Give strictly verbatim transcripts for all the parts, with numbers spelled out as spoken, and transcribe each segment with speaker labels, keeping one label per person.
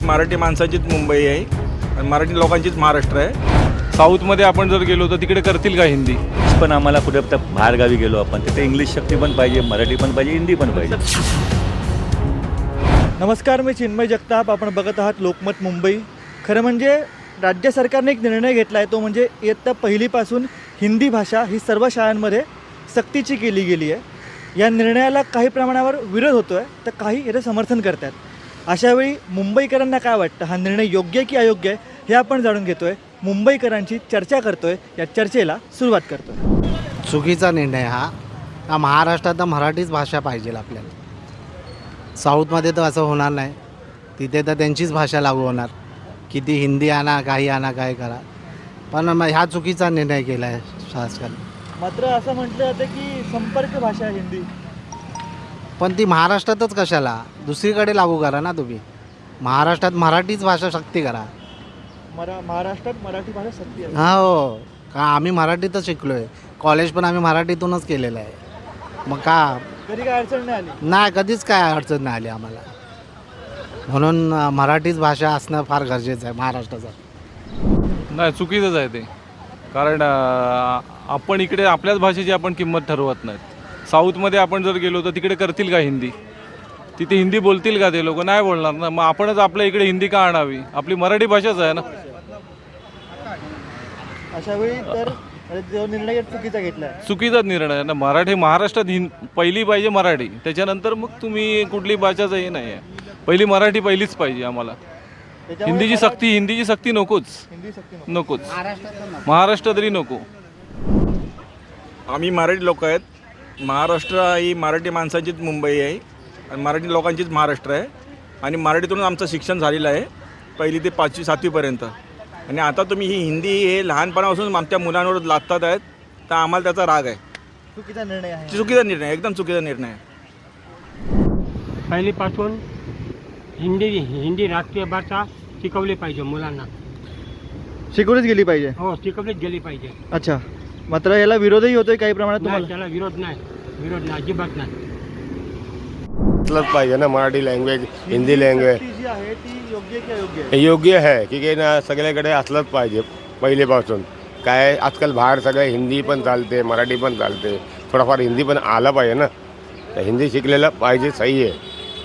Speaker 1: मराठी माणसाचीच मुंबई आहे आणि मराठी लोकांचीच महाराष्ट्र आहे. साऊथमध्ये आपण जर गेलो तर तिकडे करतील का हिंदी?
Speaker 2: पण आम्हाला कुठे बाहेर गावी गेलो आपण तिथे इंग्लिश शक्ती पण पाहिजे, मराठी पण पाहिजे, हिंदी पण पाहिजे.
Speaker 3: नमस्कार, मी चिन्मय जगताप. आपण बघत आहात लोकमत मुंबई. खरं म्हणजे राज्य सरकारने एक निर्णय घेतला आहे, तो म्हणजे इयत्ता पहिलीपासून हिंदी भाषा ही सर्व शाळांमध्ये सक्तीची केली गेली आहे. या निर्णयाला काही प्रमाणावर विरोध होतो आहे, तर काही याचं समर्थन करत आहेत. अशावेळी मुंबईकरांना काय वाटतं, हा निर्णय योग्य आहे की अयोग्य आहे, हे आपण जाणून घेतो आहे. मुंबईकरांची चर्चा करतो आहे. या चर्चेला सुरुवात करतो आहे.
Speaker 4: चुकीचा निर्णय हा हा महाराष्ट्रात तर मराठीच भाषा पाहिजे आपल्याला. साऊथमध्ये तर असं होणार नाही, तिथे तर त्यांचीच भाषा लागू होणार. किती हिंदी आणा, काही आणा, काय करा, पण मग ह्या चुकीचा निर्णय केला आहे शासनाने.
Speaker 3: मात्र असं म्हटलं जातं की संपर्क भाषा आहे हिंदी,
Speaker 4: पण ती महाराष्ट्रातच कशाला, दुसरीकडे लागू करा ना तुम्ही. महाराष्ट्रात मराठीच भाषा सक्ती करा.
Speaker 3: मरा महाराष्ट्रात मराठी भाषा सक्ती आहे.
Speaker 4: हा हो, का आम्ही मराठीतच शिकलो आहे, कॉलेज पण आम्ही मराठीतूनच केलेलं आहे. मग का
Speaker 3: कधी काय अडचण नाही आली?
Speaker 4: नाही, कधीच काय अडचण नाही आली आम्हाला. म्हणून अ, मराठीच भाषा असणं फार गरजेचं आहे महाराष्ट्राचं.
Speaker 1: नाही, चुकीचंच आहे ते. कारण अं, आपण इकडे आपल्याच भाषेची आपण किंमत ठरवत नाहीत. साऊथमध्ये आपण जर गेलो तर तिकडे करतील का हिंदी? तिथे हिंदी बोलतील का ते लोक? नाही बोलणार ना. मग आपणच आपल्या इकडे हिंदी का आणावी? आपली मराठी भाषाच आहे ना.
Speaker 3: अशा वेळी तर जो निर्णय चुकीचा घेतला आहे.
Speaker 1: चुकीचाच निर्णय आहे ना. मराठी महाराष्ट्रात हिं पहिली पाहिजे मराठी, त्याच्यानंतर मग तुम्ही कुठली भाषाचं हे नाही आहे. पहिली मराठी पहिलीच पाहिजे आम्हाला.
Speaker 3: त्याच्यामुळे
Speaker 1: हिंदीची
Speaker 3: मराठी-
Speaker 1: सक्ती हिंदीची सक्ती नकोच
Speaker 3: हिंदी सक्ती नको.
Speaker 1: नकोच महाराष्ट्र तरी नको. आम्ही मराठी लोक आहेत. महाराष्ट्र ही मराठी माणसाचीच मुंबई आहे आणि मराठी लोकांचीच महाराष्ट्र आहे. आणि मराठीतून आमचं शिक्षण झालेलं आहे पहिली ते पाचवी सातवीपर्यंत. आणि आता तुम्ही ही हिंदी हे लहानपणापासून आमच्या मुलांवर लादतात आहेत, तर आम्हाला त्याचा राग आहे.
Speaker 3: चुकीचा निर्णय आहे.
Speaker 1: चुकीचा निर्णय, एकदम चुकीचा निर्णय आहे.
Speaker 5: पहिलीपासून हिंदी हिंदी राष्ट्रीय भाषा शिकवली पाहिजे मुलांना.
Speaker 3: शिकवलीच गेली पाहिजे.
Speaker 5: हो, शिकवलीच गेली पाहिजे.
Speaker 3: अच्छा, मात्र याला विरोधही होतोय काही प्रमाणात
Speaker 5: नाही,
Speaker 3: तुम्हाला?
Speaker 5: त्याला विरोध नाही, विरोध नाही, अजिबात नाही.
Speaker 6: असलंच पाहिजे ना मराठी लँग्वेज, हिंदी लँग्वेज.
Speaker 3: सक्ती जी आहे ती योग्य की अयोग्य आहे?
Speaker 6: योग्य आहे की की ना सगळ्याकडे असलंच पाहिजे पहिलेपासून. काय आजकाल बाहेर सगळं हिंदी पण चालते, मराठी पण चालते, थोडाफार हिंदी पण आलं पाहिजे ना. तर हिंदी शिकलेलं पाहिजे, सही आहे,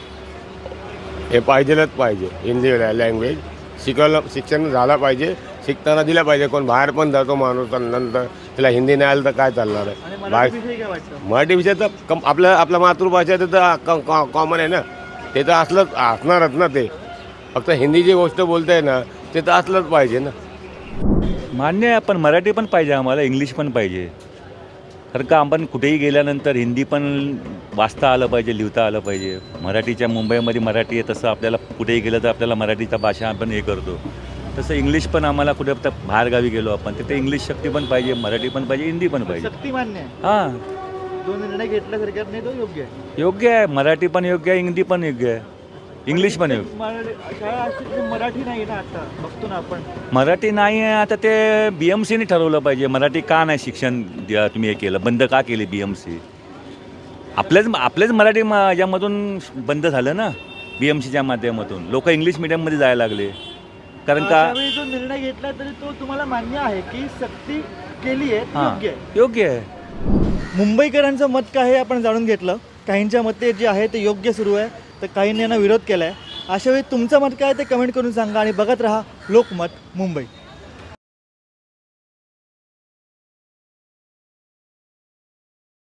Speaker 6: हे पाहिजेलच पाहिजे. हिंदी लँग्वेज शिकवलं, शिक्षण झालं पाहिजे, शिकताना दिलं पाहिजे. कोण बाहेर पण जातो माणूस, नंतर त्याला हिंदी नाही आलं तर काय चालणार
Speaker 3: आणि
Speaker 6: आहे?
Speaker 3: मराठी
Speaker 6: बाहेर
Speaker 3: विषयी काय वाटतं?
Speaker 6: मराठी विषय तर कम आपलं आपल्या मातृभाषा तर कॉमन आहे ना, ते तर असलंच असणारच ना. ते फक्त हिंदी जी गोष्ट बोलते आहे ना, ते तर असलंच पाहिजे ना.
Speaker 2: मान्य आहे, पण मराठी पण पाहिजे आम्हाला, इंग्लिश पण पाहिजे. कारण का आपण कुठेही गेल्यानंतर हिंदी पण वाचता आलं पाहिजे, लिहिता आलं पाहिजे. मराठीच्या मुंबईमध्ये मराठी आहे, तसं आपल्याला कुठेही गेलं तर आपल्याला मराठीचा भाषा आपण हे करतो. तसं इंग्लिश पण आम्हाला कुठे बाहेर गावी गेलो आपण तिथे इंग्लिश शक्ती पण पाहिजे, मराठी पण पाहिजे, हिंदी पण पाहिजे.
Speaker 3: सक्ती मान्य आहे.
Speaker 2: हां,
Speaker 3: जो निर्णय घेतला सरकारने तो योग्य आहे.
Speaker 2: योग्य आहे. मराठी पण योग्य आहे, हिंदी पण योग्य आहे, इंग्लिश पण योग्य.
Speaker 3: मराठी- शाळा अशी की मराठी नाही ना, आता बघतो ना आपण.
Speaker 2: मराठी नाही आहे, आता ते बी एम सीने ठरवलं पाहिजे. मराठी का नाही शिक्षण द्या तुम्ही हे केलं, बंद का केली बी एम सी? आपल्याच आपल्याच मराठी म यामधून बंद झालं ना, बी एम सीच्या माध्यमातून. लोक इंग्लिश मिडियममध्ये जायला लागले. कारण का
Speaker 3: त्यावेळी जो निर्णय घेतला तरी तो तुम्हाला मान्य आहे की सक्ती केली आहे ती
Speaker 2: हां,
Speaker 3: योग्य आहे?
Speaker 2: योग्य आहे.
Speaker 3: मुंबईकरांचं मत काय हे आपण जाणून घेतलं. काहींच्या मते जे आहे ते योग्य सुरू आहे, तर काहींनी यांना विरोध केला आहे. अशावेळी तुमचं मत काय ते कमेंट करून सांगा आणि बघत राहा लोकमत मुंबई.